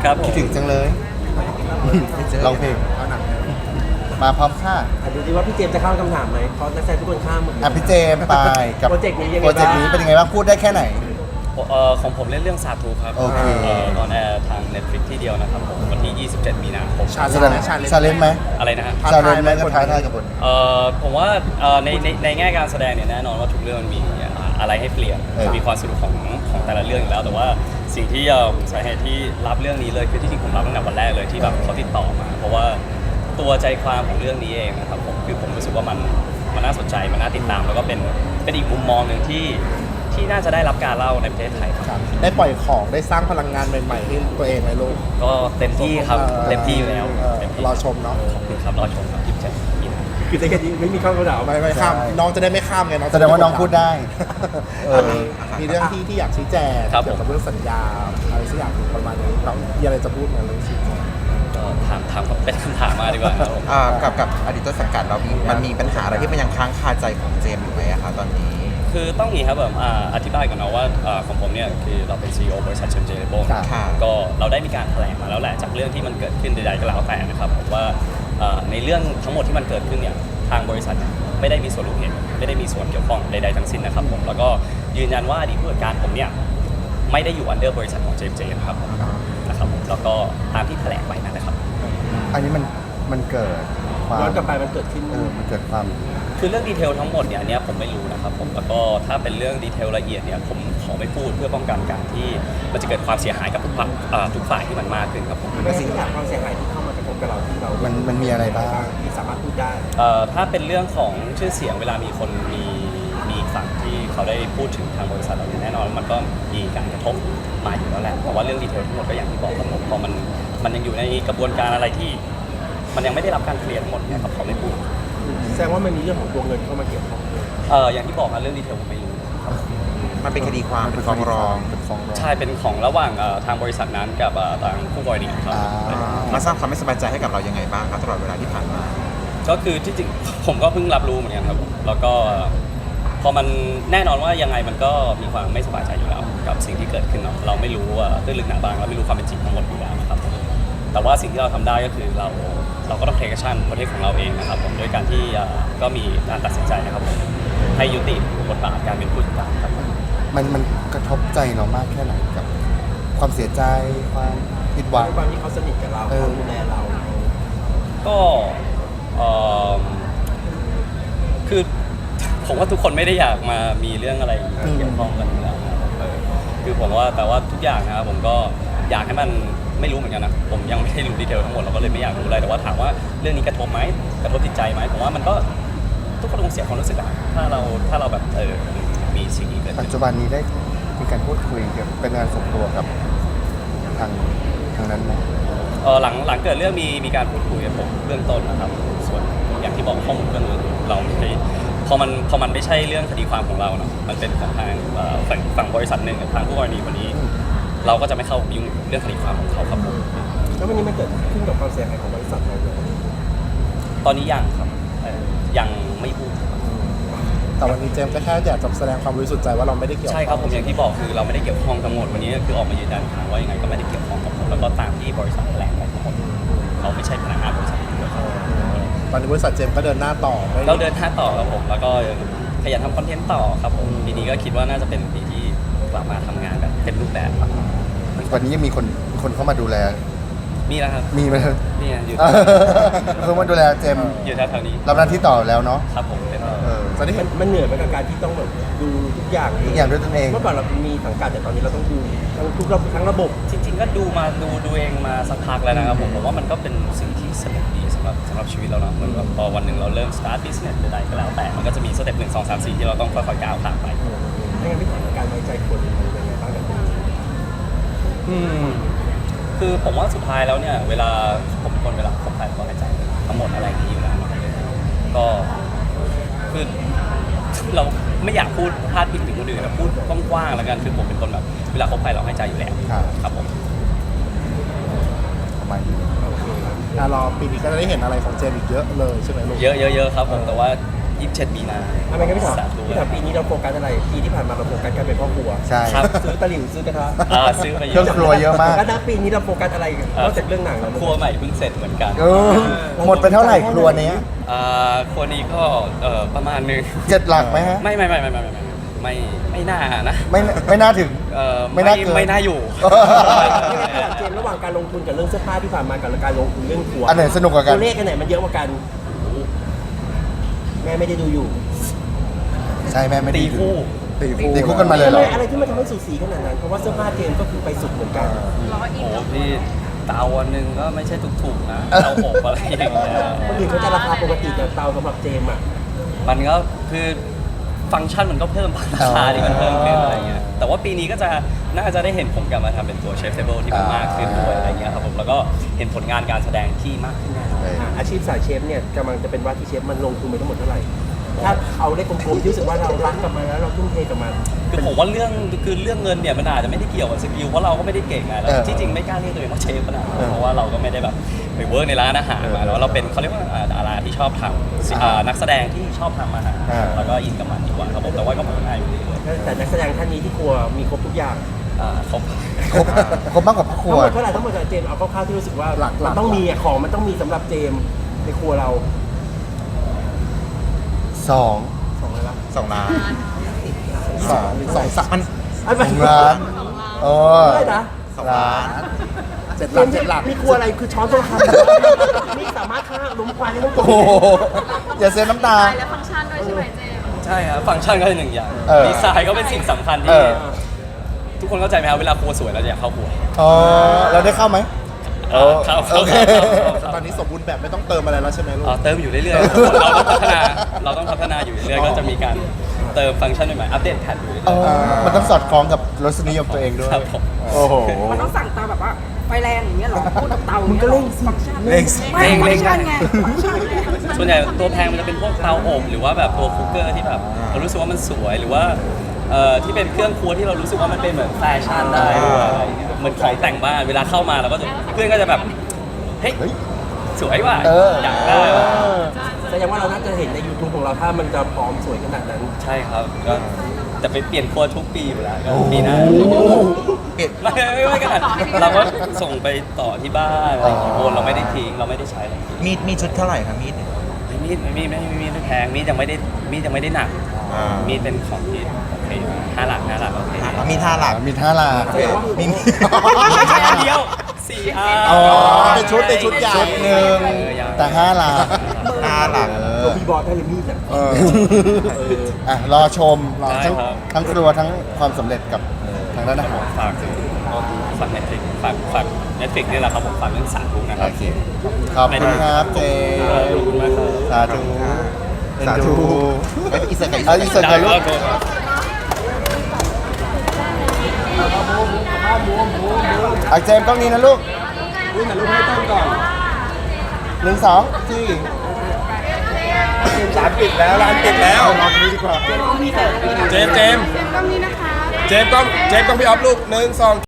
ครับผมคิดถึงจังเลยร้องเพลงมาพร้อมค่ะดูดิว่าพี่เจมส์จะข้ามคำถามไหมเพราะนักแสดงทุกคนข้ามหมดเลยพี่เจมส์ไปกับโปรเจกต์นี้ยังไงโปรเจกต์นี้เป็นยังไงบ้างพูดได้แค่ไหนของผมเล่นเรื่องซาทูครับโอเคตอนแอร์ทาง Netflix ที่เดียวนะครับผมวันที่ 27 มีนาคมแสดงชาเลนจ์ไหมอะไรนะฮะชาเลนจ์ไหมก็ท้าทายกับบทผมว่าในแง่การแสดงเนี่ยแน่นอนว่าทุกเรื่องมันมีอะไรให้เปลี่ยน มีความสนุกของแต่ละเรื่องอยู่แล้วแต่ว่าสิ่งที่สาเหตุที่รับเรื่องนี้เลยคือที่จริงผมรับตั้งแต่วันแรกเลยที่แบบเขาติดต่อมาเพราะว่าตัวใจความของเรื่องนี้เองนะครับผมคือผมรู้สึกว่ามันน่าสนใจมันน่าติดตามแล้วก็เป็นอีกมุมมองหนึ่งที่น่าจะได้รับการเล่าในประเทศไทยครับได้ปล่อยของได้สร้างพลังงานใหม่ๆให้ตัวเองไหมลูกก็เต็มที่ครับเต็มที่อยู่แล้วเต็มที่รอชมเนาะขอบคุณครับรอชมครับ27มีนาคือแค่นี้ไม่มีข้ามคำถามไม่ข้ามใช่น้องจะได้ไม่ข้ามไงน้องแสดงว่าน้องพูดได้มีเรื่องที่อยากชี้แจงครับเกี่ยวกับเรื่องสัญญาอะไรสักอย่างประมาณนี้น้องมีอะไรจะพูดไหมเรื่องชี้แจงก็ถามเป็นคำถามมาดีกว่าครับผมกับอดีตต้นสังกัดเรามันมีปัญหาอะไรที่มันยังค้างคาใจของเจมส์อยู่ไหมอะคะตอนนี้คือต้องอย่างนี้ครับแบบอธิบายก่อนนะว่าของผมเนี่ยคือเราเป็น CEO บริษัทเชมเจเลโบค่ะก็เราได้มีการแถลงมาแล้วแหละจากเรื่องที่มันเกิดขึ้นใดๆก็แล้วแต่นะครับผมว่าในเรื่องทั้งหมดที่มันเกิดขึ้นเนี่ยทางบริษัทไม่ได้มีส่วนรู้เห็นไม่ได้มีส่วนเกี่ยวข้องใดๆทั้งสิ้นนะครับผมแล้วก็ยืนยันว่าอดีตผู้จัดการผมเนี่ยไม่ได้อยู่อันเดอร์บริษัทของเจมเจนะครับผมนะครับผมแล้วก็ตามที่แถลงไปนั่นแหละครับอันนี้มันเกิดความย้อนกลับไปมันเกิดขึ้นมันเกิดความคือเรื่องดีเทลทั้งหมดเนี่ยอันเนี้ยผมไม่รู้นะครับผมแล้วก็ถ้าเป็นเรื่องดีเทลละเอียดเนี่ยผมขอไม่พูดเพื่อป้องกันการที่มันจะเกิดความเสียหายกับทุกฝ่ายที่มันมากขึ้นครับผมเป็นสิ่งที่ความเสียหายที่เข้ามากระทบกับเราที่เรามันมีอะไรบ้างที่สามารถพูดได้ถ้าเป็นเรื่องของชื่อเสียงเวลามีคนมีฝั่งที่เขาได้พูดถึงทางบริษัทเราเนี่ยแน่นอนมันก็มีการกระทบมาอยู่แล้วแหละแต่ว่าเรื่องดีเทลทั้งหมดก็อย่างที่บอกครับผมพอมันยังอยู่ในกระบวนการอะไรที่มันยังไม่ได้รับการเคลียร์ทั้งหมดเนี่ยครับขอไม่พูดแสดงว่ามันมีเรื่องของตัวเงินเข้ามาเกี่ยวข้องด้วยอย่างที่บอกครับเรื่องดีเทลผมไม่รู้ครับมันเป็นคดีความเป็นฟ้องร้องเป็นฟ้องร้องใช่เป็นของระหว่างทางบริษัทนั้นกับทางคู่กรณีครับมาสร้างความไม่สบายใจให้กับเรายังไงบ้างครับตลอดเวลาที่ผ่านมาก็คือที่จริงผมก็เพิ่งรับรู้เหมือนกันครับผมแล้วก็พอมันแน่นอนว่ายังไงมันก็มีความไม่สบายใจอยู่แล้วกับสิ่งที่เกิดขึ้นเนาะเราไม่รู้ว่าตื้นลึกหนาบางเราไม่รู้ความเป็นจริงทั้งหมดอยู่แล้วนะครับผมแต่ว่าสิ่งที่เราทำได้ก็คือเราก็ต้องเทคชั่นประเทศของเราเองนะครับผมด้วยการที่ก็มีการตัดสินใจนะครับผมให้ยุติบทบาทการเป็นผู้จัดการครับมันกระทบใจเรามากแค่ไหนกับ ความเสียใจความผิดหวังด้วยความที่เขาสนิทกับเราเขาดูแลเราก็คือผมว่าทุกคนไม่ได้อยากมามีเรื่องอะไรเกี่ยวข้องกันอยู่แล้วนะครับคือผมว่าแต่ว่าทุกอย่างนะครับผมก็อยากให้มันไม่รู้เหมือนกันนะผมยังไม่ได้รู้ดีเทลทั้งหมดเราก็เลยไม่อยากรู้อะไรแต่ว่าถามว่าเรื่องนี้กระทบไหมกระทบจิตใจไหมผมว่ามันก็ทุกคนคงเสียความรู้สึกอะถ้าเราแบบมีสิ่งนี้เกิดปัขึ้จนจุบันนี้ได้มีการพูดคุยเกี่ยวกับเป็นงานส่วนตัวกับทางนั้นไหมหลังเกิดเรื่องมีการพูดคุยกับผมเบื้องต้นนะครับส่วนอย่างที่บอกข้อมูลเบื้องต้นเราไม่ได้พอมันไม่ใช่เรื่องคดีความของเราเนาะมันเป็นของทางฝั่งบริษัทหนึ่งกับทางผู้กรณีคนนี้ เราก็จะไม่เข้ายุ่งเรื่องคดีความของเขาครับผมแล้ววันนี้มันเกิดขึ้นกับความเสียหายของบริษัทเราเลยตอนนี้ยังครับยังไม่พูดแต่วันนี้เจมส์ก็แค่อยากจะแสดงความบริสุทธิ์ใจว่าเราไม่ได้เกี่ยวใช่ครับผมอย่างที่บอกคือเราไม่ได้เกี่ยวข้องทั้งหมดวันนี้ก็คือออกมายืนยันทางว่ายังไงก็ไม่ได้เกี่ยวข้องกับผมแล้วก็ตามที่บริษัทแถลงไปทั้งหมดเราไม่ใช่พนักงานบริษัทเดียวครับตอนนี้บริษัทเจมส์ก็เดินหน้าต่อไม่เราเดินหน้าต่อครับผมแล้วก็ขยันทำคอนเทนต์ต่อครับผมปีนี้ก็คิดว่าน่าจะเป็นปีที่กลับมาทำงานแบบเต็มรูปแบบครับวันนี้ยังมีคนเข้ามาดูแลมีแล้วครับมีไหมนี่อยู่เขามาดูแลเจมส์อยู่แถวๆนี้รับหน้าที่ต่อแล้วเนาะครับผมเป็นตอนนี้มันเหนื่อยไหมกับการที่ต้องแบบดูทุกอย่างทุกอย่างด้วยตนเองเมื่อก่อนเรามีสังกัดแต่ตอนนี้เราต้องดูทั้งระบบจริงๆก็ดูเองมาสักพักแล้วนะครับผมว่ามันก็เป็นสิ่งที่สนุกดีสำหรับชีวิตเราเนาะเหมือนแบบพอวันหนึ่งเราเริ่ม start business ใดๆก็แล้วแต่มันก็จะมีสเต็ป1 2 3 4ที่เราต้องค่อยๆก้าวผ่านไปไม่งั้นพี่ถามการไว้ใจคนมันเป็นยังไงบ้างกับตรงนี้คือผมว่าสุดท้ายแล้วเนี่ยเวลาผมเป็นคนเวลาคบใครก็ให้ใจทั้งหมดอะไรอย่างนี้อยู่แล้วเนาะก็คือเราไม่อยากพูดพลาดพิงถึงคนอื่นนะพูดกว้างๆแล้วกันคือผมเป็นคนแบบเวลาคบใครเราให้ใจอยู่แล้วครับผมประมาณนี้รอปีนี้ก็จะได้เห็นอะไรของเจมส์อีกเยอะเลยใช่ไหมลูกเยอะครับผมแต่ว่า 27 มีนาทำไมกันพี่ถามสาธุพี่ถามปีนี้เราโฟกัสอะไรปีที่ผ่านมาเราโฟกัสการเป็นพ่อครัวใช่ครับซื้อตะหลิวซื้อกระทะซื้อไปเยเครื่องอะครัวเยอะมากแล้วนะปีนี้เราโฟกัสอะไรนอกจากเรื่องหนังแล้วครัวใหม่เพิ่งเสร็จเหมือนกันเออหมดไปเท่าไหร่ครัวเนี้ยครัวนี้ก็ประมาณนึง 7 หลักไหมฮะไม่น่านะไม่น่าถึง ไม่น่าเกินไม่น่าอยู่พี่ถามเจมส์ระหว่างการลงทุนกับเรื่องเสื้อผ้าที่ผ่านมากับการลงทุนเรื่องครัวอันไหนสนุกกว่ากันตัวเลขอันไหนมันเยอะกว่ากันแม่ไม่ได้ดูอยู่ใช่แม่ไม่ตีดีคู่ตีคู่กันมาเลยเหรออะไรที่มันทำให้สูสีขนาดนั้นเพราะว่าเสื้อผ้าเจมส์ก็คือไปสุดเหมือนกันโอ้พี่เตาวันหนึ่งก็ไม่ใช่ถูกๆนะเตาอบอะไรอย่างเงี้ยคนอื่นเขาจะราคาปกติแต่เตาสำหรับเจมส์อ่ะมันก็คือฟังก์ชันมันก็เพิ่มราคาที่มันเพิ่มขึ้นอะไรเงี้ยแต่ว่าปีนี้ก็จะน่าจะได้เห็นผมกลับมาทำเป็นตัวเชฟเทเบิลที่มันมากขึ้นด้วยอะไรเงี้ยครับผมแล้วก็เห็นผลงานการแสดงที่มากขึ้นแน่นอนอาชีพสายเชฟเนี่ยกำลังจะเป็นว่าที่เชฟมันลงทุนไปทั้งหมดเท่าไหร่ถ้าเอาเลขกลมๆที่รู้สึกว่าเรารักกับมันแล้วเราทุ่มเทกับมันคือผมว่าเรื่องเงินเนี่ยมันอาจจะไม่ได้เกี่ยวกับสกิลเพราะเราก็ไม่ได้เก่งไงแล้วเออที่จริงไม่กล้าเรียกตัวเองว่าเชฟขนาดนั้นเพราะว่าเราก็ไม่ได้แบบไปเวิร์กในร้านอาหารมาแล้วเราเป็นเขาเรียกว่าดาราที่ชอบทำนักแสดงที่ชอบทำอาหารแล้วก็อินกับมันดีกว่าครับผมแต่ว่าก็พัฒนาอยู่เรื่อยแต่นักแสดงท่านนี้ที่ครัวมีครบทุกอย่างๆเขาครบมากกว่าพ่อครัทั้งวหมดเท่าไหร่ทั้งหมดจากเจมส์เอาคร่าวๆที่รู้สึกว่าหลักๆมันต้องมีอะของมันต้องมีสำหรับเจมส์ในครัวเรา 2 ของอะไรวะ 2 ล้าน 2 มันไอ้แบบล้านโอ้ได้นะ 2 ล้าน 7 หลัก 7 หลักมีครัวอะไรคือช้อนต้องทำนี่สามารถฆ่าล้มควันได้ทั้งตัวโหอย่าเซฟน้ำตาและฟังก์ชันด้วยใช่ไหมเจมส์ใช่ครับฟังก์ชันก็เป็นหนึ่งอย่างเออดีไซน์ก็เป็นสิ่งสำคัญเอที่อทุกคนเข้าใจไหมครับเวลาครัวสวยเราจะอยากเข้าครัวอ๋อเราได้เข้าไหมเข้าโอเคตอนนี้สมบูรณ์แบบไม่ต้องเติมอะไรแล้วใช่ไหมลูกเติมอยู่เรื่อยๆเราต้องพัฒนาอยู่เรื่อยๆก็จะมีการเติมฟังก์ชันใหม่ๆอัปเดตแพทอยู่เรื่เออยอมันต้องสอดคล้องกับรสนิยมตัวเองด้วยครับผมโอ้โหมันต้องสั่งเตาแบบว่าไฟแรงอย่างเงี้ยเหรอพูดกับเตามึงก็เร่งสิฟังก์ชันเร่งสิไม่ฟังก์ชันไงฟังก์ชันไงส่วนใหญ่ตัวแพงมันจะเป็นพวกเตาอบหรือว่าแบบตัวคุกเกอร์ที่แบบเรารู้สึกว่ามันสวยหรือว่าที่เป็นเครื่องครัวที่เรารู้สึกว่ามันเป็นเหมือนแฟชั่นได้ด้วยอะไรอย่างเงี้ยเหมือนของแต่งบ้านเวลาเข้ามาเราก็จะเพื่อนก็จะแบบเฮ้ยเฮ้ยสวยว่ะเอออยากได้ว่ะแสดงว่าเราน่าจะเห็นใน YouTube ของเราถ้ามันจะพร้อมสวยขนาดนั้นใช่ครับก็จะไปเปลี่ยนครัวทุกปีอยู่แล้วก็ปีหน้าเปลี่ยนไม่ขนาดเราก็ส่งไปต่อที่บ้านอะไรอย่างเงี้ยโอนเราไม่ได้ทิ้งเราไม่ได้ใช้อะไรอย่างเงี้ยมีชุดเท่าไหร่ครับมีดเนี่ยมีดไม่แพงมีดยังไม่ได้หนักอ่ามีมีดเป็นของที่โอเค5 หลักโอเคมีท่าหลักมีท่าลามีไม่ใช่อันเดียว4 อันอ๋อเป็นชุดใหญ่ชุดหนึ่งแต่5 ลาท่าหลักตัวมีบอลได้เลยมีดอ่ะอ่ะรอชมได้ทั้งครับทั้งครัวทั้งความสำเร็จกับทางด้านอาหารฝาก Netflix ฝาก Netflix นี่แหละครับผมฝากเรื่องสาธุนะครัโอบ เค ขอบคุณครับเจขอบคุณมากครับสาธุสาธุเอ็นดูอีสเตอร์ไก่เอาอีกสักหน่อยลูกได้ครับเอาเจมส์กล้องนี้นะลูกนี่แต่ลูกให้ต้นก่อน 1 2ที่ร้านปิดแล้วร้านปิดแล้วลองนี้ดีกว่ามีแต่เจมส์กล้องนี้นะคะเจมส์ต้องพี่ออฟลูก1 2